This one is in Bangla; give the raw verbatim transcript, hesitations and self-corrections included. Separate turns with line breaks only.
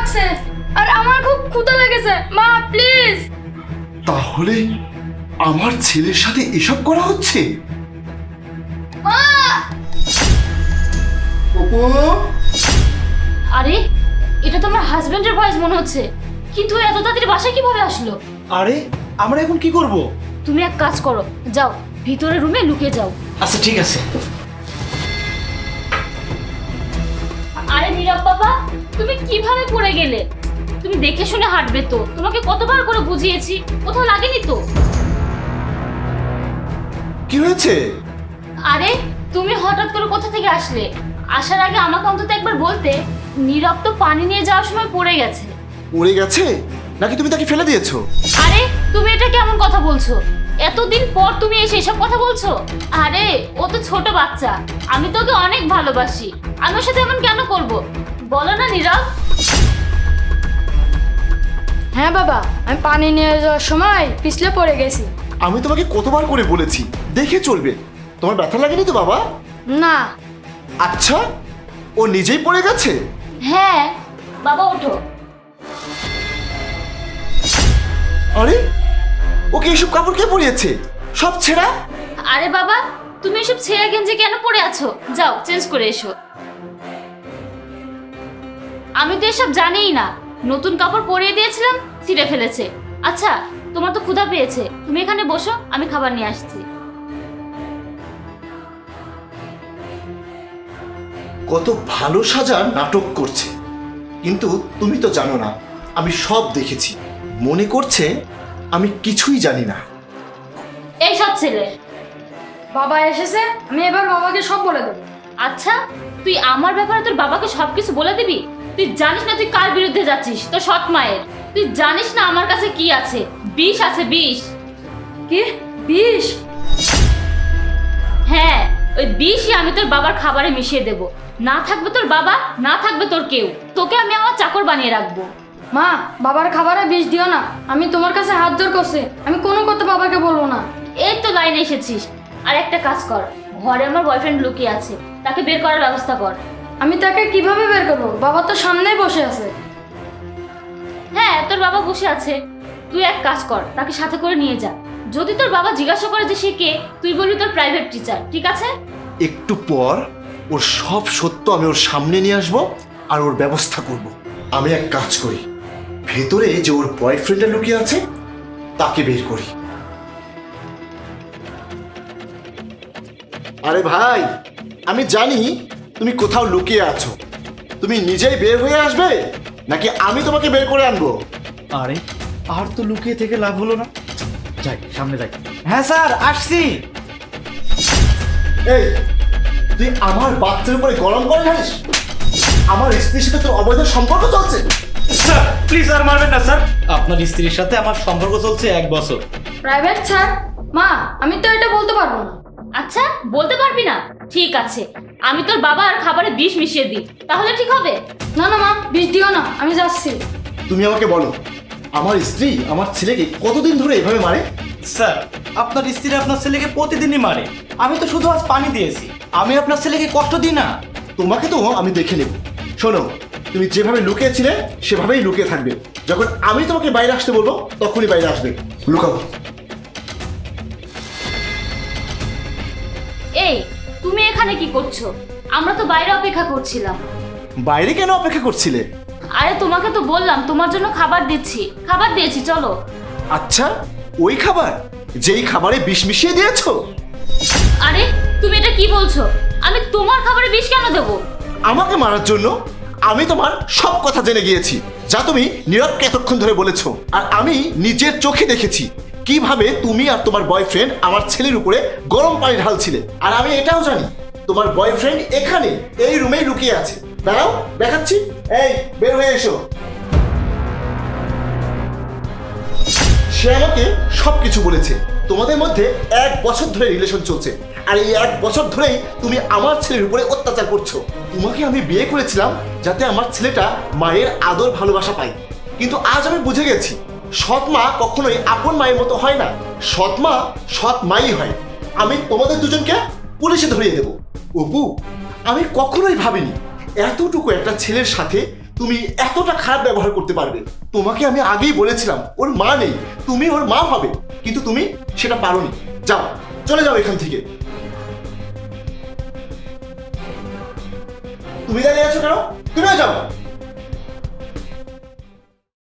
লাগছে আর আমার খুব ক্ষুধা লেগেছে। মা প্লিজ।
তাহলে আমার ছেলের সাথে এসব করা হচ্ছে?
মা।
অপু,
আরে এটা তো আমার হাজবেন্ডের ভয়েস মনে হচ্ছে, কিন্তু ও এত তাড়াতাড়ি বাসায় কিভাবে আসলো?
আরে আমরা এখন কি করব?
তুমি এক কাজ করো, যাও ভিতরে রুমে লুকিয়ে যাও।
আচ্ছা ঠিক আছে।
আরে নীরব বাবা, তুমি কিভাবে পড়ে গেলে? তুমি দেখে শুনে হাঁটবে তো, তোমাকে কতবার করে বুঝিয়েছি, কোথাও লাগেনি তো?
কি হয়েছে?
আরে তুমি হঠাৎ করে কোথা থেকে আসলে? আসার আগে আমাকে অন্তত একবার বলতে। নীরব তো পানি নিয়ে যাওয়ার সময় পড়ে গেছে।
উড়ে গেছে নাকি তুমি তাকে ফেলে দিয়েছো?
আরে তুমি এটা কেমন কথা বলছো? এতদিন পর তুমি এসে এসব কথা বলছো? আরে ও তো ছোট বাচ্চা, আমি তো ওকে অনেক ভালোবাসি, আমি ওর সাথে এমন কেন করব? বলো না নীরব।
হ্যাঁ বাবা, আমি পানি নিয়ে যাওয়ার সময় পিছলে পড়ে গেছি।
আমি তোমাকে কতবার করে বলেছি দেখে চলবে। তোমার ব্যথা লাগেনি তো বাবা?
না।
আচ্ছা, ও নিজেই পড়ে গেছে?
হ্যাঁ বাবা ওঠো।
আরে ওকে এসব কাপড় কে পরিয়েছে? সব ছেঁড়া।
আরে বাবা তুমি এসব ছেঁড়া গেঞ্জি কেন পরে আছো? যাও চেঞ্জ করে এসো। আমি তো এসব জানিই না, নতুন কাপড় পরিয়ে দিয়েছিলাম, ছিঁড়ে ফেলেছে। আচ্ছা তোমার তো ক্ষুধা পেয়েছে, তুমি এখানে বসো, আমি খাবার নিয়ে আসছি।
কত ভালো সাজার নাটক করছে, কিন্তু তুমি তো জানো না আমি সব দেখেছি। মনে করছে আমি কিছুই জানি না।
এই সব ছেলে।
বাবা এসেছে, আমি এবার বাবাকে সব বলে দেবো।
আচ্ছা তুই আমার ব্যাপারে তোর বাবাকে সবকিছু বলে দিবি? তুই জানিস না তুই কার বিরুদ্ধে যাচ্ছিস? তোর সৎ মায়ের। তুই জানিস না আমার কাছে কি আছে? বিষ আছে, বিষ।
কি বিষ?
হ্যাঁ ওই বিষই আমি তোর বাবার খাবারে মিশিয়ে দেব। না থাকবে তোর বাবা, না থাকবে তোর কেউ। তোকে আমি আমার চাকর বানিয়ে রাখবো।
মা, বাবার খাবারে বিষ দিও না। আমি তোমার কাছে হাত জোর করছি, আমি কোনো কথা বাবাকে বলবো না।
এই তো লাইনে এসেছিস। আর একটা কাজ কর, ঘরে আমার বয়ফ্রেন্ড লুকিয়ে আছে, তাকে বের করার ব্যবস্থা কর।
আমি তাকে কিভাবে বের করবো? বাবা তো সামনেই বসে আছে।
হ্যাঁ তোর বাবা বসে আছে, তুই এক কাজ কর, তাকে সাথে করে নিয়ে যা। যদি তোর বাবা জিজ্ঞাসা করে যে সে কে, তুই বলবি তোর প্রাইভেট টিচার, ঠিক আছে?
একটু পর ওর সব সত্য আমি ওর সামনে নিয়ে আসবো আর ওর ব্যবস্থা করব। আমি এক কাজ করি, ভেতরে যে ওর বয়ফ্রেন্ডটা লুকিয়ে আছে তাকে বের করি। আরে ভাই, আমি জানি তুমি কোথাও লুকিয়ে আছো। তুমি নিজেই বের হয়ে আসবে নাকি আমি তোমাকে বের করে আনবো?
আরে আর তো লুকিয়ে থেকে লাভ হলো না, যাই সামনে যাই। হ্যাঁ স্যার আসছি।
এই তুই আমার বাচ্চার উপরে গরম করে ঢালিস? আমার স্ত্রীর সাথে তোর অবৈধ সম্পর্ক চলছে?
স্যার প্লিজ আর মারবেন না স্যার, আপনার স্ত্রীর সাথে আমার সম্পর্ক চলছে এক বছর।
Private sir? মা, আমি তো এটা বলতে পারবো না।
আচ্ছা বলতে পারবি না? ঠিক আছে, আমি তোর বাবা আর খাবারে বিষ মিশিয়ে দিই, তাহলে ঠিক হবে?
না না মা, বিষ দিও না, আমি যাচ্ছি।
তুমি আমাকে বলো, আমার স্ত্রী আমার ছেলেকে কতদিন ধরে এভাবে মারে?
স্যার আপনার স্ত্রী আপনার ছেলেকে প্রতিদিনই মারে, আমি তো শুধু আজ পানি দিয়েছি, আমি আপনার ছেলেকে কষ্ট দিই না।
তোমাকে তো আমি দেখে নেব। শোনো, তুমি যেভাবে লুকিয়েছিলে সেভাবেই লুকিয়ে থাকবে। যখন আমি তোমাকে বাইরে আসতে বলবো তখনই বাইরে আসবে। লুকাবো।
এই তুমি এখানে কি করছো? আমরা তো বাইরে অপেক্ষা করছিলাম।
বাইরে কেন অপেক্ষা করছিলে?
আরে তোমাকে তো বললাম তোমার জন্য খাবার দিচ্ছি, খাবার দিয়েছি, চলো।
আচ্ছা, ওই খাবার যেই খাবারে বিষ মিশিয়ে দিয়েছো?
আরে তুমি এটা কি বলছো? আমি তোমার খাবারে বিষ কেন দেবো?
আমাকে মারার জন্য? আমি তোমার সব কথা জেনে গিয়েছি, যা তুমি নীরবকে এতক্ষণ ধরে বলেছো। আর আমি নিজের চোখে দেখেছি কিভাবে তুমি আর তোমার বয়ফ্রেন্ড আমার ছেলের উপরে গরম পানি ঢালছিলে। আর আমি এটাও জানি তোমার বয়ফ্রেন্ড এখানে এই রুমেই লুকিয়ে আছে। দাঁড়াও, দেখাচ্ছি। এই বের হয়ে এসো। সে আমাকে সবকিছু বলেছে। তোমাদের মধ্যে এক বছর ধরে রিলেশন চলছে, আর এই এক বছর ধরেই তুমি আমার ছেলের উপরে অত্যাচার করছো। তোমাকে আমি বিয়ে করেছিলাম যাতে আমার ছেলেটা মায়ের আদর ভালোবাসা পায়, কিন্তু আজ আমি বুঝে গেছি সৎ মা কখনোই আপন মায়ের মতো হয় না। সৎ মা সৎ মাই হয়। আমি তোমাদের দুজনকে পুলিশে ধরিয়ে দেব। অপু, আমি কখনোই ভাবিনি এতটুকু একটা ছেলের সাথে তুমি এতটা খারাপ ব্যবহার করতে পারবে? তোমাকে আমি আগেই বলেছিলাম ওর মা নেই, তুমি ওর মা হবে, কিন্তু তুমি সেটা পারোনি। যাও, চলে যাও এখান থেকে। তুমি দাঁড়িয়ে আছো কেন? তুমিও যাও।